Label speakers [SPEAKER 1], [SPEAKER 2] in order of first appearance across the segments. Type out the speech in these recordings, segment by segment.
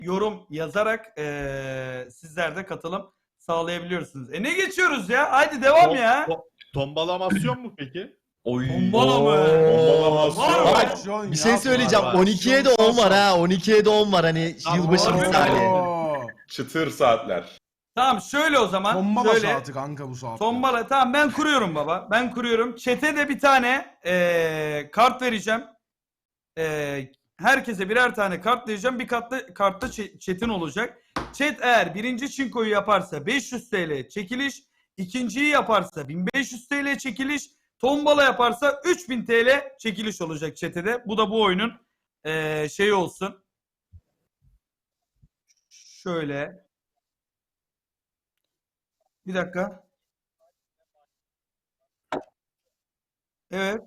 [SPEAKER 1] yorum yazarak sizler de katılım sağlayabiliyorsunuz. Ne geçiyoruz ya? Haydi devam ya.
[SPEAKER 2] Tombalamasyon mu peki?
[SPEAKER 1] Tombala mı?
[SPEAKER 2] Tombalamasyon.
[SPEAKER 3] Bak, bir şey söyleyeceğim.
[SPEAKER 2] var.
[SPEAKER 3] 12'ye de 10 var ha. 12'ye de 10 var hani yılbaşı
[SPEAKER 1] harbi mi?
[SPEAKER 3] misali.
[SPEAKER 2] Çıtır saatler.
[SPEAKER 1] Tamam şöyle o zaman.
[SPEAKER 4] Tombala
[SPEAKER 1] şöyle.
[SPEAKER 4] saati kanka bu saat.
[SPEAKER 1] Tombala tamam ben kuruyorum baba. Ben kuruyorum. Chat'e de bir tane kart vereceğim. Herkese birer tane kart vereceğim. Bir kartta chat'in olacak. Chat eğer birinci çinkoyu yaparsa 500 TL çekiliş. İkinciyi yaparsa 1500 TL çekiliş. Tombala yaparsa 3000 TL çekiliş olacak chat'e de. Bu da bu oyunun şeyi olsun. Şöyle. Bir dakika. Evet.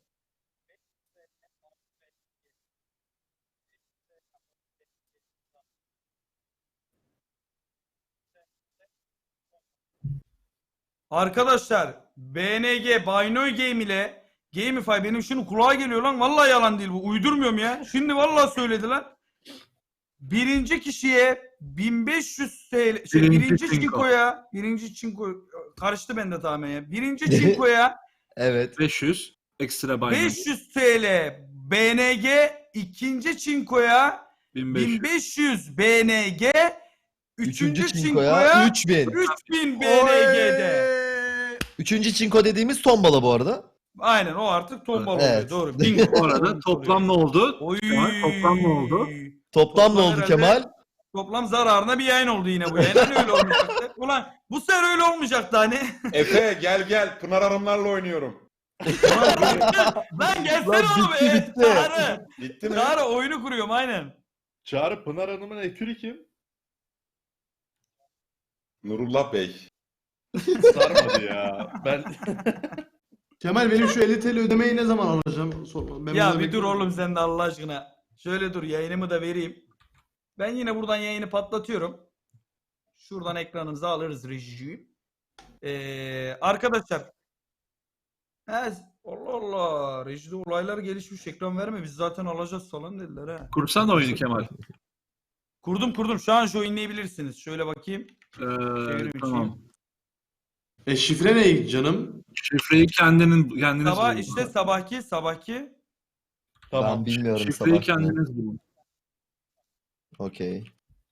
[SPEAKER 1] Arkadaşlar BNG Binoy Game ile Gamify benim şunu kulağa geliyor lan. Vallahi yalan değil bu. Uydurmuyorum ya. Şimdi vallahi söylediler. Birinci kişiye 1500 TL birinci çinko karıştı bende tamamen ya. Birinci çinkoya
[SPEAKER 3] Evet.
[SPEAKER 5] 500 ekstra Binance.
[SPEAKER 1] 500 TL BNG, ikinci çinkoya 1500 BNG,
[SPEAKER 3] Üçüncü
[SPEAKER 1] üçüncü
[SPEAKER 3] çinkoya
[SPEAKER 1] çinkoya
[SPEAKER 3] 3000.
[SPEAKER 1] 3000 BNG'de.
[SPEAKER 3] Üçüncü çinko dediğimiz tombala bu arada.
[SPEAKER 1] Aynen o artık tombala
[SPEAKER 3] Evet.
[SPEAKER 1] oluyor. Doğru. Bingo.
[SPEAKER 5] Bu arada toplam ne oldu?
[SPEAKER 1] Oy.
[SPEAKER 5] Kemal, toplam ne oldu?
[SPEAKER 3] Toplam ne oldu
[SPEAKER 1] herhalde
[SPEAKER 3] Kemal?
[SPEAKER 1] Toplam zararına bir yayın oldu yine bu yayın. Hani öyle olmayacaktı. Ulan bu sefer öyle olmayacaktı hani.
[SPEAKER 2] Efe gel Pınar Hanımlarla oynuyorum.
[SPEAKER 1] Lan gelsene
[SPEAKER 3] Lan
[SPEAKER 1] oğlum.
[SPEAKER 3] bitti,
[SPEAKER 1] Evet,
[SPEAKER 3] bitti.
[SPEAKER 1] Çağrı.
[SPEAKER 2] Bitti mi?
[SPEAKER 1] Çağrı oyunu kuruyorum aynen.
[SPEAKER 2] Çağrı Pınar Hanım'ın ekürü kim? Nurullah Bey. Sarmadı ya. Ben
[SPEAKER 4] Kemal benim şu 50 TL ödemeyi ne zaman alacağım? Ben
[SPEAKER 1] Ya
[SPEAKER 4] burada
[SPEAKER 1] bir dur
[SPEAKER 4] bekliyorum.
[SPEAKER 1] oğlum sen de Allah aşkına. Şöyle dur yayınımı da vereyim. Ben yine buradan yayını patlatıyorum. Şuradan ekranımızı alırız rejiyi. Arkadaşlar. Allah Allah. Rejide olaylar gelişmiş. Ekran verme. Biz zaten alacağız falan dediler ha.
[SPEAKER 5] Kursan oyunu Kemal.
[SPEAKER 1] Kurdum. Şu an şu oynayabilirsiniz. Şöyle bakayım.
[SPEAKER 5] Tamam.
[SPEAKER 4] Şifre ne canım?
[SPEAKER 5] Şifreyi kendiniz
[SPEAKER 1] Sabah
[SPEAKER 5] bulun.
[SPEAKER 1] işte sabahki.
[SPEAKER 3] Ben bilmiyorum
[SPEAKER 5] Şifreyi
[SPEAKER 3] sabah.
[SPEAKER 5] kendiniz bulun.
[SPEAKER 3] Okey.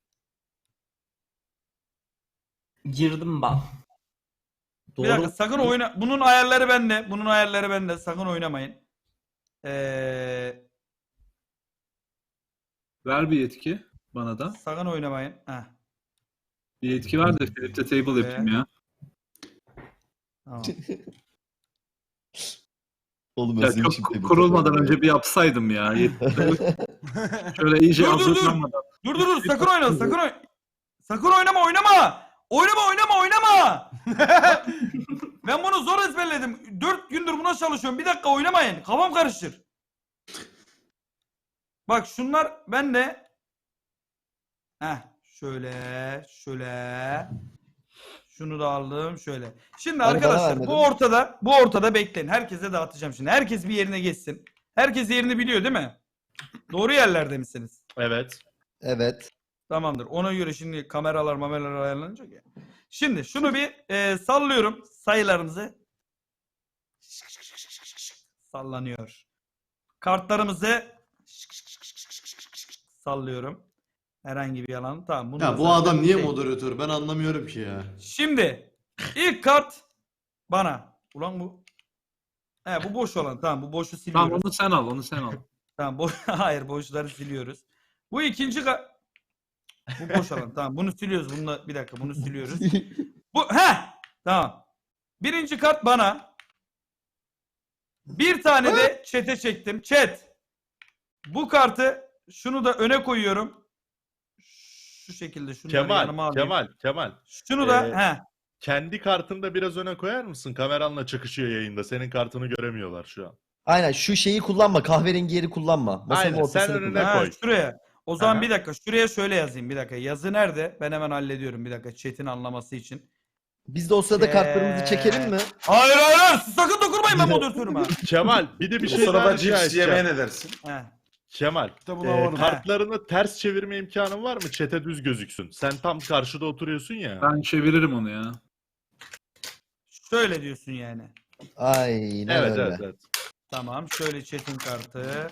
[SPEAKER 6] Girdim ben.
[SPEAKER 1] Bir dakika sakın oyna. Bunun ayarları bende. Sakın oynamayın.
[SPEAKER 5] Ver bir yetki bana da.
[SPEAKER 1] Sakın oynamayın. Heh.
[SPEAKER 5] Bir yetki ver de Philip'te table yapayım ya.
[SPEAKER 1] Tamam.
[SPEAKER 3] Oğlum
[SPEAKER 5] Ya
[SPEAKER 3] özlemişim
[SPEAKER 5] çok
[SPEAKER 3] tabii.
[SPEAKER 5] kurulmadan önce bir yapsaydım ya. Şöyle iyice
[SPEAKER 1] Dur.
[SPEAKER 5] hazırlanmadan.
[SPEAKER 1] Dur sakın oyna sakın oynama. Oynama. Ben bunu zor ezberledim. 4 gündür buna çalışıyorum. Bir dakika oynamayın. Kafam karışır. Bak şunlar bende. Şöyle. Şunu da aldım şöyle. Şimdi
[SPEAKER 3] Hani bana
[SPEAKER 1] arkadaşlar
[SPEAKER 3] vermedin.
[SPEAKER 1] bu ortada bekleyin. Herkese dağıtacağım şimdi. Herkes bir yerine geçsin. Herkes yerini biliyor değil mi? Doğru yerlerde misiniz?
[SPEAKER 2] Evet.
[SPEAKER 3] Evet.
[SPEAKER 1] Tamamdır. Ona göre şimdi kameralar ayarlanacak ya. Şimdi şunu bir sallıyorum sayılarımızı. Sallanıyor. Kartlarımızı sallıyorum. Herhangi bir yalan. Tamam. Bunu da
[SPEAKER 4] Ya bu
[SPEAKER 1] zaten
[SPEAKER 4] adam niye
[SPEAKER 1] şey-
[SPEAKER 4] moderatör? Ben anlamıyorum ki ya.
[SPEAKER 1] Şimdi ilk kart bana. Ulan bu. Bu boş olan. Tamam bu boşu siliyoruz.
[SPEAKER 5] Tamam onu sen al.
[SPEAKER 1] Tamam hayır boşları siliyoruz. Bu ikinci bu boş alan. Tamam bunu siliyoruz. Bir dakika bunu siliyoruz. Tamam. Birinci kart bana. Bir tane de chat'e çektim. Chat. Bu kartı şunu da öne koyuyorum. Şu şekilde şunu yanıma alayım.
[SPEAKER 2] Kemal.
[SPEAKER 1] Şunu da
[SPEAKER 2] Kendi kartını da biraz öne koyar mısın? Kameranla çakışıyor yayında. Senin kartını göremiyorlar şu an.
[SPEAKER 3] Aynen şu şeyi kullanma. Kahverengi yeri kullanma. Masanın
[SPEAKER 2] Aynen,
[SPEAKER 3] ortasını
[SPEAKER 2] sen önüne
[SPEAKER 3] kullan.
[SPEAKER 2] koy.
[SPEAKER 1] Şuraya. O zaman
[SPEAKER 2] Aha.
[SPEAKER 1] bir dakika. Şuraya şöyle yazayım. Bir dakika. Yazı nerede? Ben hemen hallediyorum. Bir dakika. Chat'in anlaması için.
[SPEAKER 3] Biz de o sırada kartlarımızı çekelim mi?
[SPEAKER 1] Hayır. Sakın dokunmayın ben moderatörüme.
[SPEAKER 2] Kemal bir de bir
[SPEAKER 7] Bu
[SPEAKER 2] şey daha
[SPEAKER 7] sırada
[SPEAKER 2] rica
[SPEAKER 7] cips yemeye
[SPEAKER 2] edeceğim.
[SPEAKER 7] ne dersin?
[SPEAKER 2] Kemal,
[SPEAKER 7] İşte buna varım.
[SPEAKER 2] kartlarını ters çevirme imkanın var mı? Çete düz gözüksün. Sen tam karşıda oturuyorsun ya.
[SPEAKER 5] Ben çeviririm onu ya.
[SPEAKER 1] Şöyle diyorsun yani.
[SPEAKER 3] Aynen
[SPEAKER 2] Evet,
[SPEAKER 3] öyle.
[SPEAKER 2] evet, evet.
[SPEAKER 1] Tamam. Şöyle chat'in kartı.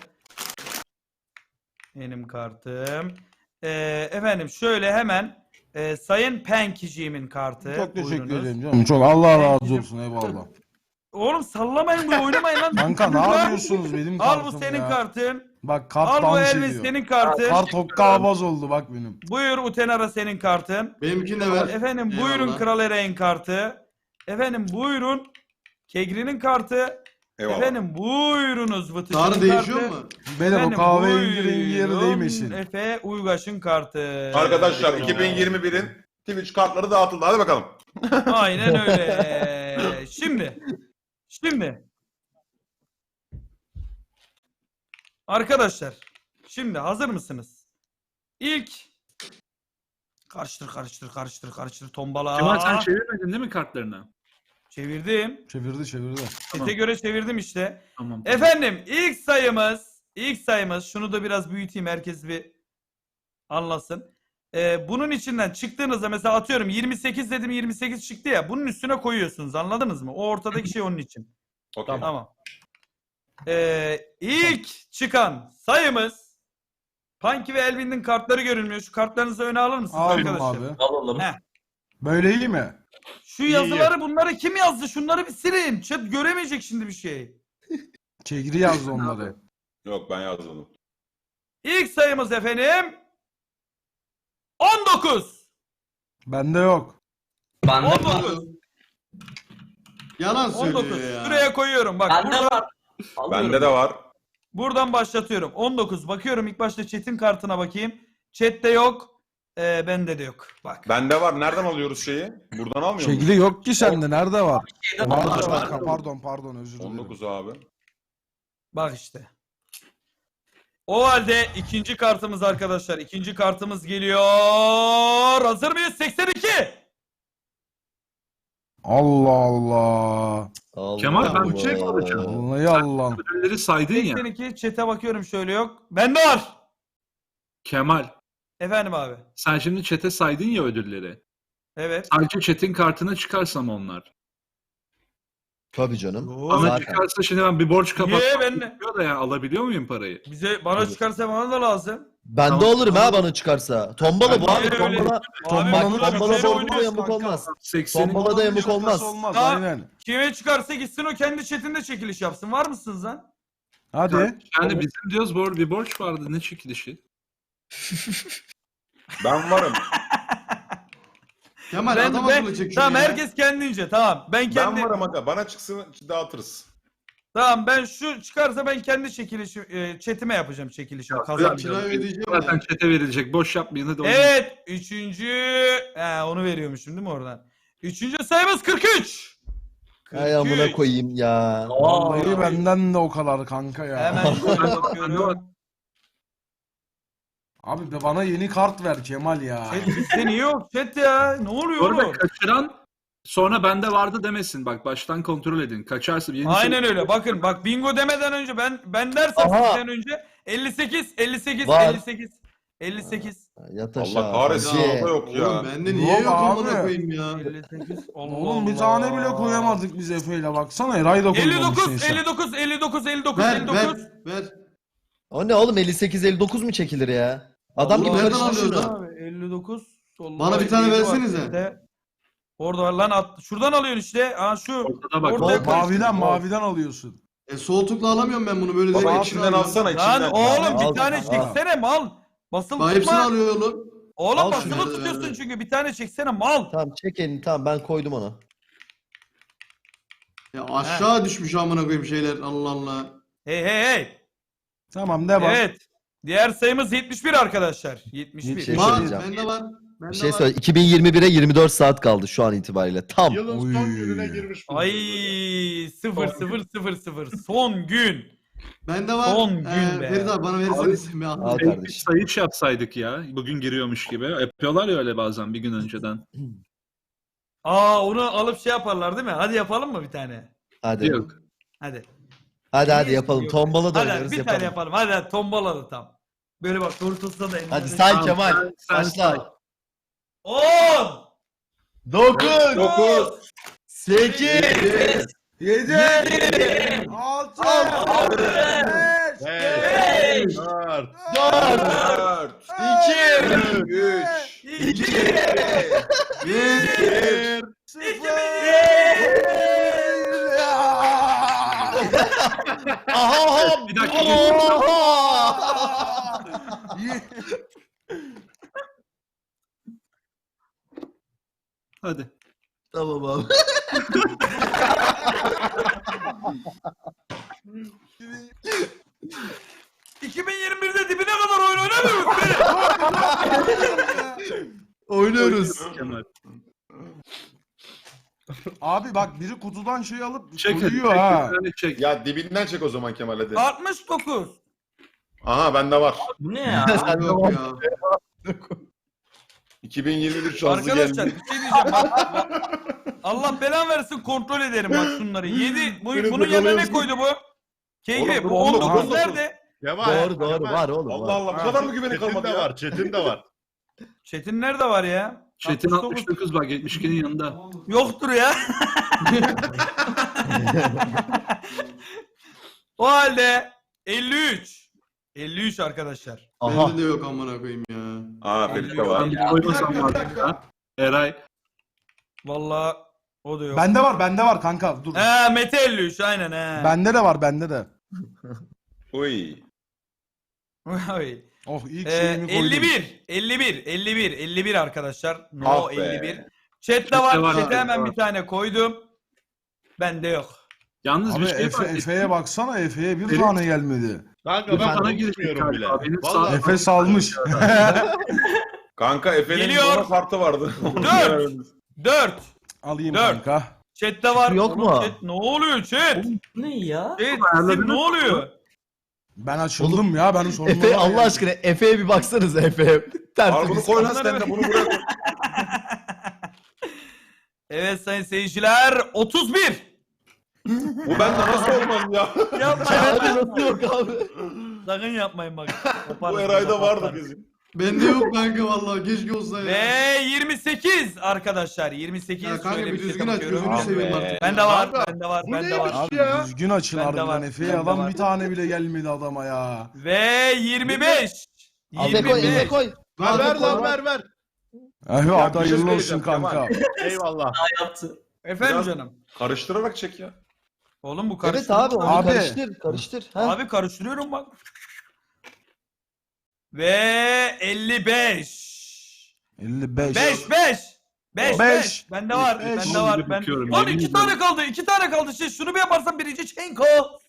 [SPEAKER 1] Benim kartım. Efendim şöyle hemen Sayın Penkiciğimin kartı.
[SPEAKER 7] Çok teşekkür
[SPEAKER 1] Buyurunuz.
[SPEAKER 7] ederim canım. Çok Allah razı olsun eyvallah.
[SPEAKER 1] Oğlum sallamayın bu oynamayın lan.
[SPEAKER 7] Kanka ne yapıyorsunuz benim
[SPEAKER 1] Al
[SPEAKER 7] kartım
[SPEAKER 1] bu senin
[SPEAKER 7] ya.
[SPEAKER 1] kartın.
[SPEAKER 7] Bak kart
[SPEAKER 1] Al bu
[SPEAKER 7] dans
[SPEAKER 1] Elvis
[SPEAKER 7] ediyor.
[SPEAKER 1] senin kartın.
[SPEAKER 7] Kart hokkabaz oldu bak benim.
[SPEAKER 1] Buyur Utenara senin kartın.
[SPEAKER 4] Benimkini de ver.
[SPEAKER 1] Efendim
[SPEAKER 4] Eyvallah.
[SPEAKER 1] buyurun Kral Ereğin kartı. Efendim buyurun Kegri'nin kartı.
[SPEAKER 8] Eyvallah.
[SPEAKER 1] Efendim buyurunuz Vıtıcı'nın
[SPEAKER 4] Sarı
[SPEAKER 1] kartı.
[SPEAKER 4] değişiyor mu?
[SPEAKER 7] Beyler o
[SPEAKER 1] Efendim,
[SPEAKER 7] kahverengi rengi yeri
[SPEAKER 1] buyurun
[SPEAKER 7] değmesin.
[SPEAKER 1] Efe Uygaş'ın kartı.
[SPEAKER 8] Arkadaşlar 2021'in Twitch kartları dağıtıldı. Hadi bakalım.
[SPEAKER 1] Aynen öyle. Şimdi. Arkadaşlar. Şimdi hazır mısınız? İlk karıştır tombala.
[SPEAKER 5] Kemal sen çevirmedin değil mi kartlarını?
[SPEAKER 1] Çevirdim.
[SPEAKER 7] Çevirdi.
[SPEAKER 1] Sete göre çevirdim işte.
[SPEAKER 5] Tamam.
[SPEAKER 1] Efendim ilk sayımız şunu da biraz büyüteyim herkes bir anlasın. Bunun içinden çıktığınızda mesela atıyorum 28 dedim 28 çıktı ya bunun üstüne koyuyorsunuz anladınız mı? O ortadaki şey onun için.
[SPEAKER 8] Okey.
[SPEAKER 1] Tamam. İlk çıkan sayımız Punky ve Elvin'in kartları görünmüyor. Şu kartlarınızı öne alır mısınız
[SPEAKER 7] Aldım
[SPEAKER 1] arkadaşlar?
[SPEAKER 7] abi.
[SPEAKER 6] Alalım.
[SPEAKER 1] Heh.
[SPEAKER 7] Böyle iyi mi?
[SPEAKER 1] Şu yazıları bunları kim yazdı? Şunları bir silin. Chat göremeyecek şimdi bir şey.
[SPEAKER 7] Kegri yazdı onları.
[SPEAKER 8] Yok ben yazmadım.
[SPEAKER 1] İlk sayımız efendim 19.
[SPEAKER 7] Bende yok.
[SPEAKER 6] Bende var.
[SPEAKER 1] 19.
[SPEAKER 4] Yalan
[SPEAKER 1] 19.
[SPEAKER 4] söylüyor ya.
[SPEAKER 1] Şuraya koyuyorum. Bak
[SPEAKER 6] Bende
[SPEAKER 1] burada,
[SPEAKER 6] var. Alıyorum.
[SPEAKER 8] Bende de var.
[SPEAKER 1] buradan başlatıyorum. 19. Bakıyorum ilk başta chat'in kartına bakayım. Chat'te yok. Bende de yok. Bak.
[SPEAKER 8] Bende var. Nereden alıyoruz şeyi? Buradan almıyor muyuz?
[SPEAKER 7] Kegri yok ki sende. Nerede var?
[SPEAKER 6] Şeyde
[SPEAKER 7] Var
[SPEAKER 6] var.
[SPEAKER 7] kanka, pardon özür dilerim.
[SPEAKER 8] 19 abi.
[SPEAKER 1] Bak işte. O halde ikinci kartımız arkadaşlar. İkinci kartımız geliyor. Hazır mıyız? 82.
[SPEAKER 7] Allah Allah.
[SPEAKER 3] Allah
[SPEAKER 5] Kemal, ben
[SPEAKER 3] Allah.
[SPEAKER 5] bir şey soracağım.
[SPEAKER 7] Vallahi Allah.
[SPEAKER 5] Ödülleri saydın ya.
[SPEAKER 1] 82. Chat'e bakıyorum şöyle yok. Bende var.
[SPEAKER 5] Kemal
[SPEAKER 1] Efendim abi.
[SPEAKER 5] sen şimdi chat'e saydın ya ödülleri.
[SPEAKER 1] Evet.
[SPEAKER 5] Sadece chat'in kartına çıkarsam onlar.
[SPEAKER 3] Tabii canım.
[SPEAKER 5] Ama
[SPEAKER 3] Zaten.
[SPEAKER 5] çıkarsa şimdi ben bir borç
[SPEAKER 1] Niye
[SPEAKER 5] kapatmam
[SPEAKER 1] ben
[SPEAKER 5] gerekiyor da yani alabiliyor muyum parayı?
[SPEAKER 1] bana çıkarsa bana da lazım.
[SPEAKER 3] Ben de
[SPEAKER 5] Tamam.
[SPEAKER 3] olurum ha bana çıkarsa. Tombala bu
[SPEAKER 1] Ben
[SPEAKER 3] abi.
[SPEAKER 1] de öyle.
[SPEAKER 3] Tombala.
[SPEAKER 1] Abi
[SPEAKER 3] Bak
[SPEAKER 1] burada
[SPEAKER 3] tombala
[SPEAKER 1] şöyle
[SPEAKER 3] bordo
[SPEAKER 1] oynuyoruz
[SPEAKER 3] yamuk
[SPEAKER 1] kanka.
[SPEAKER 3] olmaz.
[SPEAKER 5] 80'in
[SPEAKER 3] Tombala da yamuk olmaz.
[SPEAKER 7] Olmaz
[SPEAKER 1] Ha.
[SPEAKER 7] aynen.
[SPEAKER 1] Kime çıkarsa gitsin o kendi chatinde çekiliş yapsın. Var mısınız lan?
[SPEAKER 7] Hadi.
[SPEAKER 5] yani bizim diyoruz bir borç vardı ne çekilişi?
[SPEAKER 8] Ben varım.
[SPEAKER 4] Kemal
[SPEAKER 1] Ben,
[SPEAKER 4] adam akıllı çek şunu
[SPEAKER 1] tamam
[SPEAKER 4] ya.
[SPEAKER 1] herkes kendince tamam. Ben kendi
[SPEAKER 8] Ben varım aga. Bana çıksın dağıtırız.
[SPEAKER 1] tamam ben şu çıkarsa ben kendi çekilişi chatime yapacağım çekilişimi
[SPEAKER 4] Kirayı
[SPEAKER 1] kazanacağım.
[SPEAKER 4] ödeyeceğim
[SPEAKER 5] Zaten
[SPEAKER 4] ya.
[SPEAKER 5] chat'e verilecek boş yapmayın hadi oynayın.
[SPEAKER 1] Evet, onu veriyormuşum değil mi oradan? Üçüncü sayımız 43.
[SPEAKER 3] Ay amına koyayım ya.
[SPEAKER 7] Vallahi benden de o kadar kanka ya.
[SPEAKER 1] Hemen şöyle bakıyorum.
[SPEAKER 7] Abi be bana yeni kart ver Kemal ya.
[SPEAKER 1] Chat bizde niye yok chat ya? Ne oluyor
[SPEAKER 5] Bu arada
[SPEAKER 1] oğlum?
[SPEAKER 5] kaçıran sonra bende vardı demesin. Bak baştan kontrol edin. Kaçarsa yeni
[SPEAKER 1] Aynen öyle. Bakın bak bingo demeden önce ben dersem
[SPEAKER 3] Aha.
[SPEAKER 1] sizden önce 58
[SPEAKER 3] Var.
[SPEAKER 1] 58.
[SPEAKER 3] Yat aşağı.
[SPEAKER 8] Allah kahretsin
[SPEAKER 3] Hacı.
[SPEAKER 8] orada yok ya.
[SPEAKER 4] Oğlum bende niye
[SPEAKER 7] Yok
[SPEAKER 4] yok
[SPEAKER 7] abi.
[SPEAKER 4] amına koyayım ya.
[SPEAKER 1] 58. Allah
[SPEAKER 7] Oğlum bir
[SPEAKER 1] Allah.
[SPEAKER 7] tane bile koyamadık biz Efe'yle baksana. Eray da koymamışsın
[SPEAKER 1] 59
[SPEAKER 7] sen.
[SPEAKER 1] 59
[SPEAKER 4] Ver.
[SPEAKER 3] O ne oğlum 58-59 mu çekilir ya? Adam
[SPEAKER 4] Allah
[SPEAKER 3] gibi
[SPEAKER 4] nereden
[SPEAKER 3] karıştır
[SPEAKER 4] alıyoruz
[SPEAKER 3] şunu.
[SPEAKER 4] lan?
[SPEAKER 1] Abi 59. Allah
[SPEAKER 4] Bana bir tane
[SPEAKER 1] 57 var
[SPEAKER 4] versenize.
[SPEAKER 1] bizde. Orada var lan şuradan alıyorsun işte. Ha şu.
[SPEAKER 5] Ortada bak.
[SPEAKER 1] Orada-
[SPEAKER 7] Maviden alıyorsun.
[SPEAKER 4] Sol tıkla alamıyorum ben bunu böyle
[SPEAKER 8] Baba
[SPEAKER 4] direkt
[SPEAKER 8] içinden alsana içinden.
[SPEAKER 1] Lan oğlum
[SPEAKER 3] Al,
[SPEAKER 1] bir tane
[SPEAKER 3] al.
[SPEAKER 1] çeksene mal. Basılı
[SPEAKER 4] Daha hepsini
[SPEAKER 1] tutma.
[SPEAKER 4] alıyor oğlum.
[SPEAKER 1] Oğlum
[SPEAKER 3] Al
[SPEAKER 1] basılı
[SPEAKER 4] şunu.
[SPEAKER 1] tutuyorsun
[SPEAKER 4] Ver.
[SPEAKER 1] çünkü bir tane çeksene mal.
[SPEAKER 3] Tamam çek elini tamam ben koydum onu.
[SPEAKER 4] Ya aşağı düşmüş amına koyayım şeyler Allah Allah.
[SPEAKER 1] Hey.
[SPEAKER 7] Tamam devam.
[SPEAKER 1] Evet. Diğer sayımız 71 arkadaşlar. 71.
[SPEAKER 3] Şey
[SPEAKER 4] Var
[SPEAKER 3] söyleyeceğim.
[SPEAKER 4] bende var. Bende
[SPEAKER 3] Bir şey
[SPEAKER 4] var.
[SPEAKER 3] söyle 2021'e 24 saat kaldı şu an itibariyle. Tam.
[SPEAKER 2] Yılın
[SPEAKER 7] Oy.
[SPEAKER 2] son gününe girmiş.
[SPEAKER 1] Ay 0 son gün.
[SPEAKER 4] Bende var.
[SPEAKER 1] Son gün be.
[SPEAKER 4] Ferit abi bana verirsen sen bir al.
[SPEAKER 3] Al
[SPEAKER 5] Bir
[SPEAKER 3] kardeşim.
[SPEAKER 5] sayış yapsaydık ya. Bugün giriyormuş gibi. Yapıyorlar ya öyle bazen bir gün önceden.
[SPEAKER 1] Onu alıp şey yaparlar değil mi? Hadi yapalım mı bir tane?
[SPEAKER 3] Hadi.
[SPEAKER 5] Yok.
[SPEAKER 1] Hadi.
[SPEAKER 3] Hadi yapalım.
[SPEAKER 1] Yok.
[SPEAKER 3] Tombala da
[SPEAKER 1] Hadi
[SPEAKER 3] oynarız
[SPEAKER 1] bir tane
[SPEAKER 3] yapalım.
[SPEAKER 1] yapalım. Hadi tombala da tam. Böyle bak kurtulsa da
[SPEAKER 3] Hadi
[SPEAKER 1] elinde.
[SPEAKER 3] say
[SPEAKER 5] Tamam,
[SPEAKER 3] Kemal.
[SPEAKER 5] sen say.
[SPEAKER 3] Başla.
[SPEAKER 1] 10
[SPEAKER 3] 9
[SPEAKER 8] 9
[SPEAKER 3] 8
[SPEAKER 7] 7 6 5
[SPEAKER 2] 5 4
[SPEAKER 8] 4
[SPEAKER 3] 2
[SPEAKER 8] 3
[SPEAKER 1] 2
[SPEAKER 2] 1
[SPEAKER 3] Aha!
[SPEAKER 5] Bir dakika, Hadi.
[SPEAKER 3] Tamam abi.
[SPEAKER 1] ...2021'de dibine kadar oyun oynamıyoruz beni.
[SPEAKER 3] Oynuyoruz.
[SPEAKER 5] Kemal.
[SPEAKER 7] Abi bak biri kutudan şey alıp
[SPEAKER 5] Çek hadi.
[SPEAKER 7] koyuyor ha.
[SPEAKER 5] Çek.
[SPEAKER 8] Ya dibinden çek o zaman Kemal hadi.
[SPEAKER 1] 69.
[SPEAKER 8] Aha bende var.
[SPEAKER 6] Bu ne ya?
[SPEAKER 4] Yok ya.
[SPEAKER 8] 2021 şansı
[SPEAKER 1] Arkadaşlar
[SPEAKER 8] geldi.
[SPEAKER 1] bir şey diyeceğim. Bak. Allah belan versin kontrol ederim bak şunları. 7. Bunun yanına ne koydu bu? Keyfi. Bu 19 nerede?
[SPEAKER 2] Kemal.
[SPEAKER 3] Doğru
[SPEAKER 2] Kemal.
[SPEAKER 3] var oğlum.
[SPEAKER 8] Allah
[SPEAKER 3] var.
[SPEAKER 8] Allah bu kadar mı güveni
[SPEAKER 2] Çetin
[SPEAKER 8] kalmadı
[SPEAKER 2] de
[SPEAKER 8] ya?
[SPEAKER 2] var. Çetin de var.
[SPEAKER 1] Çetin nerede var ya?
[SPEAKER 5] Çetin
[SPEAKER 1] 69.
[SPEAKER 5] 69 bak 72'nin yanında.
[SPEAKER 1] Yoktur ya. O halde 53. 53 arkadaşlar.
[SPEAKER 3] Aha.
[SPEAKER 4] Bende de yok amına koyayım ya.
[SPEAKER 8] Aa Ferit'te var.
[SPEAKER 5] Ben bir koymasam vardı ya. Eray.
[SPEAKER 1] Vallahi o da yok.
[SPEAKER 7] Bende var kanka dur.
[SPEAKER 1] Mete 53 aynen he.
[SPEAKER 7] Bende de var bende de.
[SPEAKER 8] Uy.
[SPEAKER 1] Oy.
[SPEAKER 7] Oh ilk şeyimi koydum.
[SPEAKER 1] 51 arkadaşlar. No
[SPEAKER 8] Ah be.
[SPEAKER 1] 51. Chat'te
[SPEAKER 5] Chat'te
[SPEAKER 1] var.
[SPEAKER 5] var
[SPEAKER 1] Chat'e
[SPEAKER 5] abi,
[SPEAKER 1] hemen
[SPEAKER 5] var.
[SPEAKER 1] bir tane koydum. Bende yok.
[SPEAKER 5] Yalnız
[SPEAKER 7] Abi
[SPEAKER 5] bir şey var.
[SPEAKER 7] Efe'ye baksana Efe'ye bir
[SPEAKER 5] Ferit-
[SPEAKER 7] tane gelmedi.
[SPEAKER 2] Kanka
[SPEAKER 5] Ben
[SPEAKER 2] ben
[SPEAKER 5] sana
[SPEAKER 2] konuşmuyorum bile.
[SPEAKER 5] galiba. Benim
[SPEAKER 2] Vallahi
[SPEAKER 5] sağ-
[SPEAKER 7] Efe salmış.
[SPEAKER 8] Kanka Efe'nin
[SPEAKER 1] Geliyor.
[SPEAKER 8] bana kartı vardı.
[SPEAKER 1] 4.
[SPEAKER 7] Alayım
[SPEAKER 1] Dört.
[SPEAKER 7] kanka.
[SPEAKER 1] Chat'te var.
[SPEAKER 3] Yok
[SPEAKER 1] Oğlum
[SPEAKER 3] mu?
[SPEAKER 1] Chat, ne oluyor chat?
[SPEAKER 6] Bu ne ya?
[SPEAKER 1] Chat,
[SPEAKER 5] ayarladınız
[SPEAKER 1] sizin ne
[SPEAKER 5] mı?
[SPEAKER 1] oluyor?
[SPEAKER 7] Ben açıldım ya benim sorunum
[SPEAKER 3] Efe Allah aşkına Efe'ye bir baksanıza Efe.
[SPEAKER 8] Al bunu
[SPEAKER 3] Tertemiz.
[SPEAKER 8] koy lan sen de bunu buraya koy.
[SPEAKER 1] Evet sayın seyirciler 31.
[SPEAKER 8] Bu bende nasıl olmaz ya?
[SPEAKER 3] Hadi
[SPEAKER 1] Yapmayın.
[SPEAKER 3] nasıl yok abi?
[SPEAKER 1] Sakın yapmayın bak.
[SPEAKER 8] Bu
[SPEAKER 1] Koparız,
[SPEAKER 8] Eray'da vardı
[SPEAKER 1] koparız.
[SPEAKER 8] bizim.
[SPEAKER 4] Bende yok kanka vallahi keşke olsa ya.
[SPEAKER 1] Ve 28 arkadaşlar 28
[SPEAKER 4] Ya kanka
[SPEAKER 1] şöyle
[SPEAKER 4] bir
[SPEAKER 1] şey
[SPEAKER 4] düzgün aç
[SPEAKER 1] bakıyorum.
[SPEAKER 4] gözünü
[SPEAKER 8] Abi.
[SPEAKER 4] seveyim artık.
[SPEAKER 1] Bende var,
[SPEAKER 2] Kanka,
[SPEAKER 1] bende var,
[SPEAKER 2] bu
[SPEAKER 1] bende var.
[SPEAKER 2] neymiş?
[SPEAKER 7] Abi
[SPEAKER 2] Ya.
[SPEAKER 7] düzgün açın
[SPEAKER 1] Bende
[SPEAKER 7] harbiden
[SPEAKER 1] var,
[SPEAKER 7] Efe'ye
[SPEAKER 1] bende
[SPEAKER 7] adam
[SPEAKER 1] var.
[SPEAKER 7] bir tane bile gelmedi adama ya.
[SPEAKER 1] Ve 25.
[SPEAKER 3] Efe koy Efe
[SPEAKER 1] 25.
[SPEAKER 3] koy.
[SPEAKER 2] Ver lan ver.
[SPEAKER 7] Efe
[SPEAKER 8] Ya,
[SPEAKER 7] hadi
[SPEAKER 8] bir şey
[SPEAKER 7] hayırlı olsun
[SPEAKER 8] söyleyeceğim
[SPEAKER 7] kanka.
[SPEAKER 2] Eyvallah.
[SPEAKER 6] Yaptı.
[SPEAKER 1] Efendim
[SPEAKER 8] Biraz-
[SPEAKER 1] canım.
[SPEAKER 8] Karıştırarak çek ya.
[SPEAKER 1] Oğlum bu
[SPEAKER 3] Evet
[SPEAKER 1] karıştırma.
[SPEAKER 3] abi onu
[SPEAKER 7] Abi.
[SPEAKER 3] karıştır. Ha?
[SPEAKER 1] Abi karıştırıyorum bak. Ve 55.
[SPEAKER 7] 55.
[SPEAKER 1] 5 5. 5
[SPEAKER 7] Beş.
[SPEAKER 1] 5. Bende var.
[SPEAKER 7] Beş.
[SPEAKER 1] Bende var.
[SPEAKER 5] Şimdi
[SPEAKER 1] Ben...
[SPEAKER 5] bakıyorum,
[SPEAKER 1] Lan
[SPEAKER 5] yemin
[SPEAKER 1] 2
[SPEAKER 5] ediyorum.
[SPEAKER 1] tane kaldı. 2 tane kaldı. Şey, şunu bir yaparsan birinci Çenko.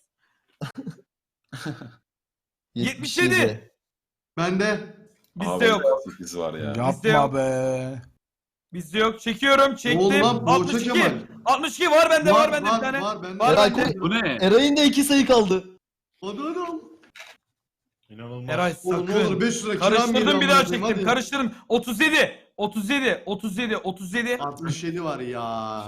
[SPEAKER 1] 77.
[SPEAKER 4] Bende.
[SPEAKER 1] Bizde
[SPEAKER 8] Abi,
[SPEAKER 1] yok.
[SPEAKER 8] 8 var ya.
[SPEAKER 1] Bizde yok.
[SPEAKER 7] Yapma be.
[SPEAKER 1] Bizde yok. Çekiyorum. Çektim.
[SPEAKER 4] Oğlum lan Boğaça
[SPEAKER 1] 62.
[SPEAKER 4] Kemal.
[SPEAKER 1] 62 var bende var bende bir tane.
[SPEAKER 4] Var bende.
[SPEAKER 1] Var
[SPEAKER 3] Eray
[SPEAKER 1] bende.
[SPEAKER 3] koy.
[SPEAKER 5] Bu ne?
[SPEAKER 3] Eray'ın da 2 sayı kaldı.
[SPEAKER 4] Hadi hadi al.
[SPEAKER 2] İnanılmaz.
[SPEAKER 1] Eray
[SPEAKER 4] Oğlum ne olur
[SPEAKER 1] sakın.
[SPEAKER 4] 500 lira kiram
[SPEAKER 1] Karıştırdım
[SPEAKER 4] geliyor
[SPEAKER 1] bir daha
[SPEAKER 4] amına koyayım,
[SPEAKER 1] çektim.
[SPEAKER 4] hadi.
[SPEAKER 1] Karıştırdım. 37. 37. 37. 37.
[SPEAKER 4] 67 var ya.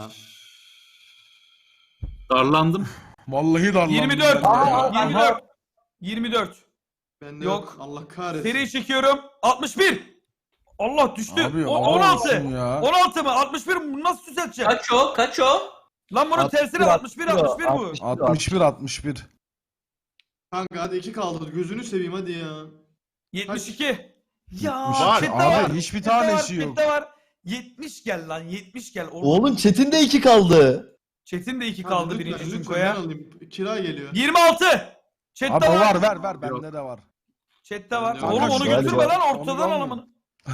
[SPEAKER 5] Darlandım.
[SPEAKER 7] Vallahi darlandım.
[SPEAKER 1] 24.
[SPEAKER 7] ben de ya.
[SPEAKER 1] 24. 24.
[SPEAKER 4] Bende
[SPEAKER 1] Yok.
[SPEAKER 4] yok. Allah kahretsin.
[SPEAKER 1] Seri çekiyorum. 61. Allah düştü.
[SPEAKER 7] Abi,
[SPEAKER 1] 16.
[SPEAKER 7] olsun ya.
[SPEAKER 1] 16 mı? 61 mi? Bunu nasıl düzelteceğim?
[SPEAKER 6] Kaç o? Kaç o?
[SPEAKER 1] Lan bunun tersine 61 61 bu.
[SPEAKER 7] 61.
[SPEAKER 4] Kanka hadi 2 kaldı. Gözünü seveyim hadi ya.
[SPEAKER 1] 72. Ya
[SPEAKER 2] Var.
[SPEAKER 1] chatte
[SPEAKER 7] Abi hiçbir
[SPEAKER 1] chatte var,
[SPEAKER 7] tanesi yok.
[SPEAKER 1] chatte var. 70 gel lan 70 gel.
[SPEAKER 3] Oğlum Çetin de 2 kaldı.
[SPEAKER 1] Çetin de 2
[SPEAKER 4] Hadi
[SPEAKER 1] kaldı
[SPEAKER 4] lütfen,
[SPEAKER 1] birinci
[SPEAKER 4] lütfen,
[SPEAKER 1] Cunko'ya.
[SPEAKER 4] ben alayım. Kira geliyor.
[SPEAKER 1] 26. Chatte
[SPEAKER 7] Abi
[SPEAKER 1] var.
[SPEAKER 7] ver bende de var.
[SPEAKER 1] Chatte var.
[SPEAKER 8] Kanka,
[SPEAKER 1] Oğlum onu
[SPEAKER 3] galiba.
[SPEAKER 1] götürme lan
[SPEAKER 7] Onu
[SPEAKER 1] ortadan
[SPEAKER 7] almıyor.
[SPEAKER 1] alamını.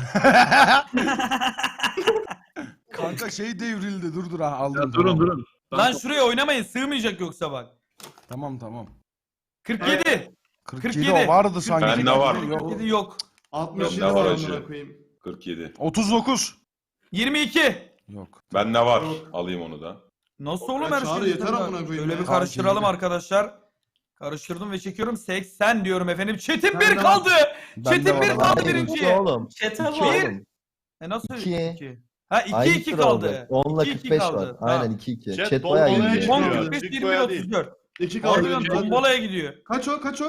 [SPEAKER 7] Kanka şey devrildi dur ha aldım.
[SPEAKER 5] Ya, durun
[SPEAKER 7] tamam.
[SPEAKER 5] durun. Ben
[SPEAKER 1] Lan şuraya oynamayın sığmayacak yoksa bak.
[SPEAKER 7] Tamam.
[SPEAKER 1] 47.
[SPEAKER 7] 47
[SPEAKER 1] 47.
[SPEAKER 7] o vardı sanki.
[SPEAKER 8] Bende var.
[SPEAKER 7] Yok.
[SPEAKER 1] 47 yok.
[SPEAKER 4] 67
[SPEAKER 8] Bende
[SPEAKER 4] var
[SPEAKER 8] var
[SPEAKER 4] amına
[SPEAKER 8] acı.
[SPEAKER 4] koyayım.
[SPEAKER 8] 47.
[SPEAKER 7] 39.
[SPEAKER 1] 22.
[SPEAKER 7] Yok.
[SPEAKER 8] Bende var.
[SPEAKER 4] Yok.
[SPEAKER 8] Alayım onu da.
[SPEAKER 1] Nasıl oğlum
[SPEAKER 4] Ya
[SPEAKER 1] her
[SPEAKER 4] Çağrı
[SPEAKER 1] şey?
[SPEAKER 4] yeter amına koyayım
[SPEAKER 1] Öyle
[SPEAKER 4] ya.
[SPEAKER 1] bir karıştıralım
[SPEAKER 7] Tamam,
[SPEAKER 1] arkadaşlar. Karıştırdım ve çekiyorum. 80 diyorum efendim. Çetin
[SPEAKER 4] Ben
[SPEAKER 1] 1
[SPEAKER 4] de
[SPEAKER 1] kaldı.
[SPEAKER 7] Bende
[SPEAKER 1] Çetin
[SPEAKER 7] var
[SPEAKER 1] 1
[SPEAKER 7] abi.
[SPEAKER 1] kaldı
[SPEAKER 3] Hayır,
[SPEAKER 1] birinciye.
[SPEAKER 3] iki oğlum.
[SPEAKER 6] Çete
[SPEAKER 3] İki
[SPEAKER 6] var.
[SPEAKER 3] oğlum.
[SPEAKER 1] Nasıl
[SPEAKER 3] İki.
[SPEAKER 1] 2? Ha 2
[SPEAKER 3] Aynı
[SPEAKER 1] 2
[SPEAKER 3] sıra
[SPEAKER 1] kaldı.
[SPEAKER 3] oldu. 10'la
[SPEAKER 1] 2-2
[SPEAKER 3] 45
[SPEAKER 1] kaldı.
[SPEAKER 3] var.
[SPEAKER 1] Tamam.
[SPEAKER 3] Aynen 2-2.
[SPEAKER 2] Chat
[SPEAKER 3] Chat bayağı
[SPEAKER 2] bombalaya
[SPEAKER 3] iyi.
[SPEAKER 2] çıkıyor.
[SPEAKER 1] 10 45
[SPEAKER 2] Cink
[SPEAKER 1] 21
[SPEAKER 2] Boya değil.
[SPEAKER 1] 34.
[SPEAKER 4] 2 kaldı.
[SPEAKER 1] Harbiden
[SPEAKER 4] benim.
[SPEAKER 1] tombalaya gidiyor.
[SPEAKER 4] Kaç o? Kaç o?